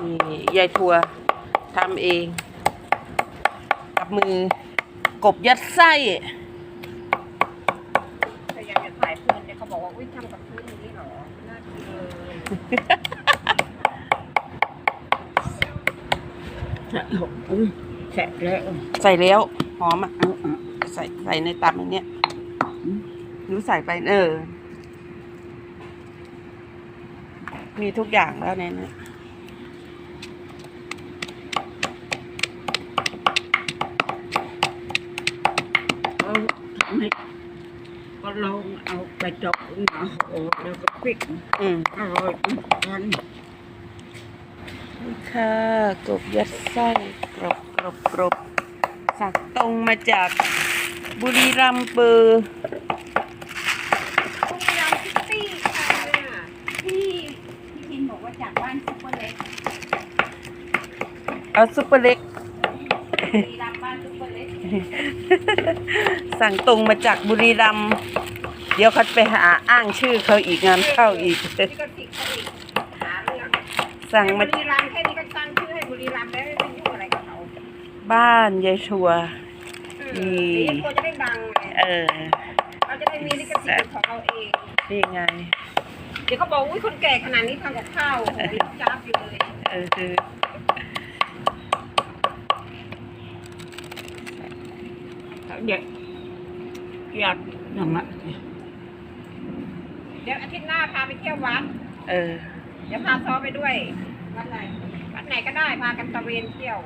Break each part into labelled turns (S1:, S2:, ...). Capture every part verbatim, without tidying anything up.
S1: นี่ยายทัวทำเองกับมือกบยัดไส้
S2: พยายามจะถ่ายเพื่อนแต่เขาบอกว่าอุ้ยทำกับเพื่อนนี่หรอน่ากินเลย
S3: ใส่แล้ว
S1: ใส่แล้วหอมอ่ะใส่ใส่ในตับอันเนี้ยหนูใส่ไปเออมีทุกอย่างแล้วในนี้
S3: เอาทำให้ก็ลองเอาไปจอกมาโอ้แล้วก็พริก
S1: อืม
S3: อร่อยกัน
S1: นี่ค่ะกบยัดไส้กรอบกรอบกรอบสั่งตรงมาจากบุรีรัมย์เปอร์
S2: บุรีรัมย์ซิตี้ค่ะที่พี่พินบอกว่าจากบ้านซุปเปอร์เล็ก
S1: เอาซุปเปอร์เล็ก
S2: บุรีรัมย์บ้านซุปเปอร์เล็ก
S1: สั่งตรงมาจากบุรีรัมย์เดี๋ยวเขาไปหาอ้างชื่อเขาอีกงานเข้าอีก
S2: นี่ก็ติดเขาอีกหาเรื่อง
S1: สั่งมา
S2: บุรีรัมย์แค่นี้ก็ตั้งชื่อให้บุรีรัมย์แล้วไม่ยุ่งอะไรกับเขา
S1: บ้านยายชัว
S2: นี่ยายชัวจะได้ดัง
S1: เออ
S2: เราจะได้มีลิขสิทธิ์ของเราเอง
S1: นี่ไง
S2: เดี๋ยวเขาบอกอุ้ยคนแก่ขนาดนี้ทำกับข้าวโหยจ้าบอยู่เลย
S1: เออคือ
S3: เด็กอยากทำอะ
S2: เดี๋ยวอาทิตย์หน้าพาไปเที่ยววัด
S1: เออ
S2: เดี๋ยวพาซ้อไปด้วยวัดไหนวัดไหนก็ได้พากันตะเวนเที่ยว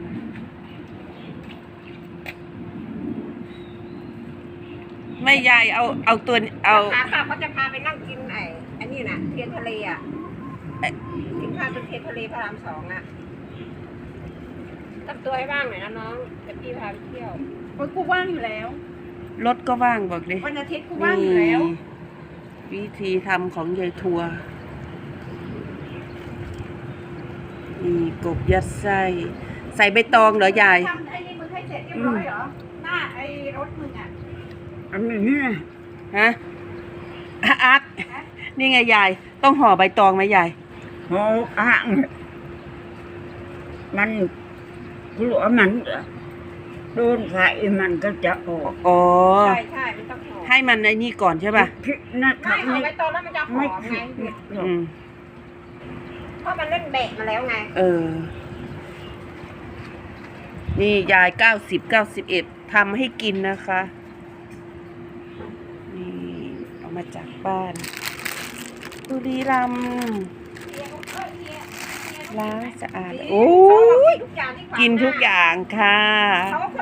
S1: ไม่ยายเอาเอาตัวเอา
S2: ขาค่ะเขาจะพาไปนั่งกินไอ้อันนี้น่ะเทียนทะเลอ่ะกินข้าวตรงเทียนทะเลพระรามสองอ่ะทำตัวให้ว่างหน่อยนะน้องจะพี่พาไปเที่ยวโอ้ยกูว่างอยู่แล้ว
S1: รถก็ว่างบอกดิ
S2: วันอาทิตย์กูว่างอยู่แล้ว
S1: วิธีทำของยายทัวนี่กบยัดไส้ใส่ใบตองเหรอยาย
S2: ทำไอ้นี่มึงให้เสร็จเรียบร้อยเหรอหน้าไอ้รถมึงอ่ะ
S3: อันนี้
S1: ฮะอาร์ตนี่ไงยายต้องห่อใบตองไหมยาย
S3: ห่ออ่างมันกลัวมันโดนไฟมันก็จะออก
S1: อ๋อ
S2: ใช่ใช่มันต้องห่อ
S1: ให้มันในนี่ก่อนใช่ป่ะ
S2: ไม่ห่อใบตองแล้วมันจะหอมไง
S1: อืม
S2: เพราะมันเล่นแบกมาแล้วไง
S1: เออนี่ยายเก้าสิบเก้าสิบเอ็ดทำให้กินนะคะนี่เอามาจากบ้านบุรีรัมย์ล้างสะอาดโอ้ยกินทุกอย่างค่ะ
S2: เขาก็ค